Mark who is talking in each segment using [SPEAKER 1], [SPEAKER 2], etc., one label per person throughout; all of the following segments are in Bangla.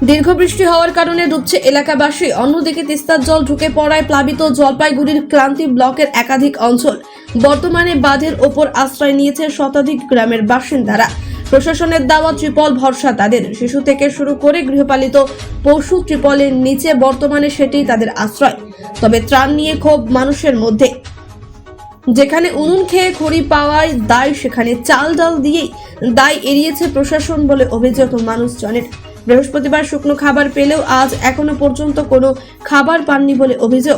[SPEAKER 1] দীর্ঘ বৃষ্টি হওয়ার কারণে ডুবছে এলাকাবাসী। অন্যদিকে তিস্তার জল ঢুকে পড়ায় প্লাবিত জলপাইগুড়ির ক্লান্তি ব্লকের একাধিক অঞ্চল। বর্তমানে বাঁধের ওপর আশ্রয় নিয়েছে শতাধিক গ্রামের বাসিন্দারা। প্রশাসনের দেওয়া ত্রিপল ভরসা তাদের। শিশু থেকে শুরু করে গৃহপালিত পশু ত্রিপলের নিচে বর্তমানে সেটিই তাদের আশ্রয়। তবে ত্রাণ নিয়ে ক্ষোভ মানুষের মধ্যে। যেখানে উনুন খেয়ে খড়ি পাওয়ায় দায়, সেখানে চাল ডাল দিয়েই দায় এড়িয়েছে প্রশাসন বলে অভিযোগ মানুষজনের। বৃহস্পতিবার শুকনো খাবার পেলেও আজ এখনো পর্যন্ত কোনো খাবার পাননি বলে অভিযোগ।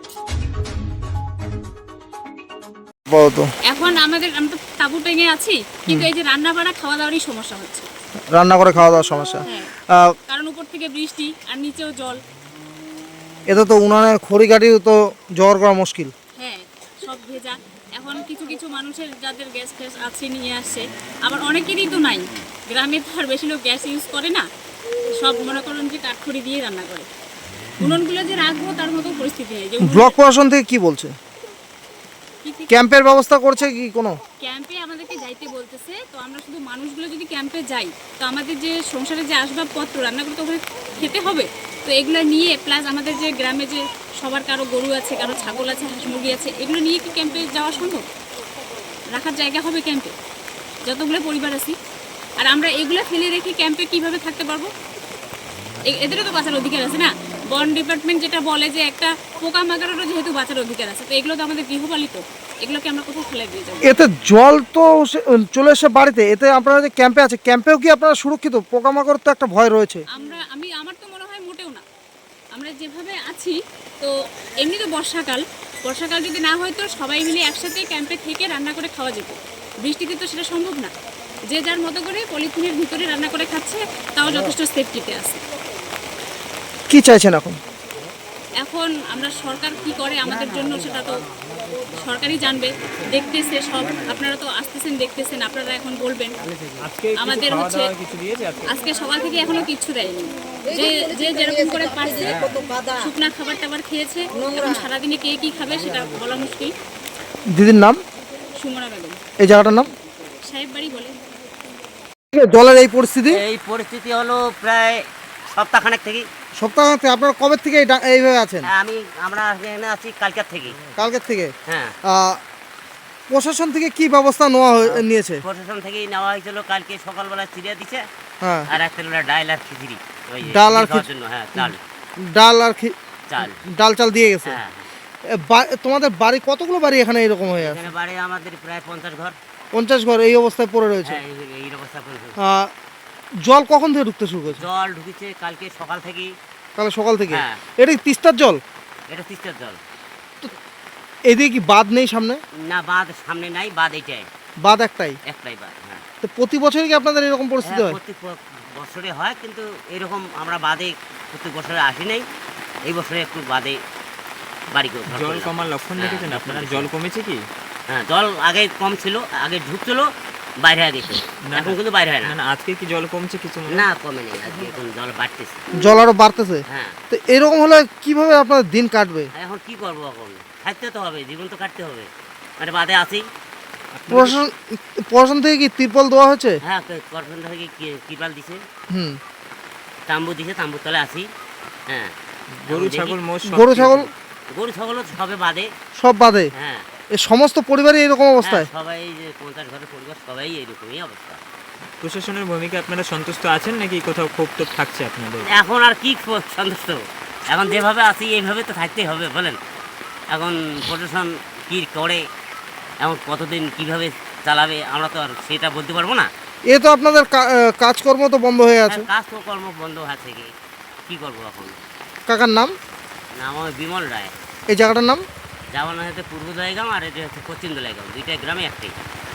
[SPEAKER 2] এখন আমরা তো তাঁবু টেঙে আছি, কিন্তু এই যে রান্না বাড়া খাওয়া দাওয়ারই সমস্যা হচ্ছে।
[SPEAKER 3] রান্না করে খাওয়া দাওয়ার সমস্যা।
[SPEAKER 2] কারণ উপর থেকে বৃষ্টি আর নিচেও জল।
[SPEAKER 3] এতে তো উনানের খড়ি কাটিও তো জোগাড় করা মুশকিল।
[SPEAKER 2] হ্যাঁ, সব ভেজা। এখন কিছু কিছু মানুষের যাদের গ্যাস ফ্যাস আছে নিয়ে আসছে, আবার অনেকেরই তো নাই। গ্রামে তো আর বেশি লোক গ্যাস ইউজ করে না, সব মনে করেন যে কাঠখড়ি দিয়ে রান্না করে। উনুনগুলো যে রাখবো তার মতো পরিস্থিতি নেই। যে
[SPEAKER 3] ব্লক প্রশাসন থেকে কি বলছে? ক্যাম্পের ব্যবস্থা করছে কি কোনো?
[SPEAKER 2] ক্যাম্পে আমাদেরকে যাইতে বলতেছে, তো আমরা শুধু মানুষগুলো যদি ক্যাম্পে যাই, তো আমাদের যে সংসারে যে আসবাবপত্র রান্না করতে ওখানে খেতে হবে, তো এগুলো নিয়ে প্লাস আমাদের যে গ্রামে যে সবার কারো গরু আছে, কারো ছাগল আছে, হাঁস মুরগি আছে, এগুলো নিয়ে কি ক্যাম্পে যাওয়া সম্ভব? রাখার জায়গা হবে ক্যাম্পে যতগুলো পরিবার আছি? আর আমরা এগুলো ফেলে রেখে ক্যাম্পে কিভাবে থাকতে পারবো? এদেরও তো বাঁচার অধিকার আছে না? বন ডিপার্টমেন্ট যেটা বলে যে একটা পোকামাকড়েরও যেহেতু বাঁচার অধিকার আছে, তো এগুলো তো আমাদের গৃহপালিত, এগুলোকে আমরা কোথাও ফেলে দিয়ে যাবো?
[SPEAKER 3] এতে জল তো চলে এসে বাড়িতে, এতে আপনারা যে ক্যাম্পে আছে, ক্যাম্পেও কি আপনারা সুরক্ষিত? পোকামাকড় তো একটা ভয় রয়েছে।
[SPEAKER 2] আমার তো মনে হয় মোটেও না। আমরা যেভাবে আছি, তো এমনি তো বর্ষাকাল যদি না হয় তো সবাই মিলে একসাথে ক্যাম্পে থেকে রান্না করে খাওয়া যেত। বৃষ্টিতে তো সেটা সম্ভব না। যে যার মতো করে পলিথিনের ভিতরে রান্না করে খাচ্ছে, তাও যথেষ্ট সেফটিতে আছে।
[SPEAKER 3] কি চাইছেন এখন?
[SPEAKER 2] এখন আমরা সরকার কি করে আমাদের জন্য সেটা তো সরকারই জানবে। দেখতেছে সব, আপনারা তো আসতেছেন, দেখতেছেন, আপনারা এখন বলবেন। আমাদের হচ্ছে আজকে সকাল থেকে এখনো কিচ্ছু দেয়নি। যে যে যেরকম করে পারছে শুকনা খাবার টাবার খেয়েছে। এখন সারাদিনে কে কি খাবে সেটা বলা মুশকিল।
[SPEAKER 3] দিদির নাম?
[SPEAKER 2] সুমনা বেগম।
[SPEAKER 3] এই জায়গাটার নাম?
[SPEAKER 2] সাহেব বাড়ি বলে।
[SPEAKER 3] জলের এই পরিস্থিতি
[SPEAKER 4] হলো প্রায় সপ্তাহখানেক থেকে।
[SPEAKER 3] আপনারা কবে থেকে এইভাবে আছেন?
[SPEAKER 4] আমরা এখানে আছি কালকের থেকে।
[SPEAKER 3] কালকের থেকে?
[SPEAKER 4] হ্যাঁ।
[SPEAKER 3] প্রশাসন থেকে কি ব্যবস্থা নিয়েছে?
[SPEAKER 4] প্রশাসন থেকেই নেওয়া হয়েছিল। কালকে সকালবেলা চিড়িয়া দিছে।
[SPEAKER 3] হ্যাঁ।
[SPEAKER 4] আর একটা ডাল আর খিচুড়ি।
[SPEAKER 3] ডাল আর
[SPEAKER 4] জন্য, হ্যাঁ, চাল।
[SPEAKER 3] ডাল চাল দিয়ে গেছে।
[SPEAKER 4] হ্যাঁ।
[SPEAKER 3] তোমাদের বাড়ি কতগুলো বাড়ি এখানে এরকম হয়ে আছে?
[SPEAKER 4] এখানে বাড়ি আমাদের প্রায় 50 ঘর।
[SPEAKER 3] 50 ঘর এই অবস্থায় পড়ে রয়েছে।
[SPEAKER 4] হ্যাঁ, এই অবস্থা পড়েছে।
[SPEAKER 3] জল কখন থেকে ঢুকতে শুরু করেছে?
[SPEAKER 4] জল ঢুকেছে কালকে সকাল থেকেই।
[SPEAKER 3] কাল সকাল থেকে?
[SPEAKER 4] হ্যাঁ।
[SPEAKER 3] এটা কি তিস্তার জল?
[SPEAKER 4] এটা তিস্তার জল।
[SPEAKER 3] এদিকে কি বাঁধ নেই সামনে?
[SPEAKER 4] না, বাঁধ সামনে নাই, বাঁধ এইটাই।
[SPEAKER 3] বাঁধ একটাই
[SPEAKER 4] বাঁধ। হ্যাঁ।
[SPEAKER 3] তো প্রতি বছরই কি আপনাদের এরকম পরিস্থিতি হয়?
[SPEAKER 4] প্রত্যেক বছরে হয়, কিন্তু এরকম আমরা বাদে প্রত্যেক বছরে আসি নাই। এই বছরে একটু বাদে বাড়ি করে
[SPEAKER 5] জল কমার লক্ষণ দেখেছেন আপনারা? জল কমেছে কি?
[SPEAKER 4] হ্যাঁ, জল আগে কম ছিল, আগে ঢুকছিল, বাইরে হয়ে গেছে। এখন কিন্তু বাইরে হয় না।
[SPEAKER 5] আজকে কি জল কমছে কিছু?
[SPEAKER 4] না, কমে নেই। আজকে এখন জল বাড়তেছে।
[SPEAKER 3] জল আরো বাড়তেছে?
[SPEAKER 4] হ্যাঁ।
[SPEAKER 3] তো এরকম হলে কিভাবে আপনাদের দিন কাটবে?
[SPEAKER 4] এখন কি করবো? এখন থাকতে তো হবে, জীবন তো কাটতে হবে। মানে বাদে আছি।
[SPEAKER 3] প্রশাসন থেকে কি তিরপল দেওয়া হয়েছে?
[SPEAKER 4] হ্যাঁ, কর্পোরেশন থেকে ত্রিপাল দিছে, তাম্বু দিছে, তাম্বুর তলে আছি। হ্যাঁ।
[SPEAKER 5] গরু ছাগল
[SPEAKER 4] সবে বাদে।
[SPEAKER 3] সব বাদে?
[SPEAKER 4] হ্যাঁ।
[SPEAKER 3] এই সমস্ত পরিবারই এরকম অবস্থায়?
[SPEAKER 4] সবাই যে 50 ঘরের পরিবার সবাই এরকমই অবস্থা।
[SPEAKER 5] প্রশাসনের ভূমিকা আপনারা সন্তুষ্ট আছেন নাকি কোথাও ক্ষোভ টোপ থাকছে আপনাদের?
[SPEAKER 4] এখন আর কি সন্তুষ্ট? এখন যেভাবে আছি এইভাবে তো থাকতেই হবে, বলেন। এখন প্রশাসন কি করে, এখন কতদিন কিভাবে চালাবে আমরা তো আর সেটা বলতে পারবো না।
[SPEAKER 3] এ তো আপনাদের কাজকর্ম তো বন্ধ হয়ে আছে।
[SPEAKER 4] কাজ তো কর্ম বন্ধ আছে, কি করবো এখন?
[SPEAKER 3] কাকার নাম?
[SPEAKER 4] নাম আমার বিমল রায়।
[SPEAKER 3] এই জায়গাটার নাম?
[SPEAKER 4] যাওয়ানো হচ্ছে পূর্ব দলাইগাঁও, আর এটা হচ্ছে পশ্চিম দলাইগাঁও। দুইটা গ্রামে একটাই।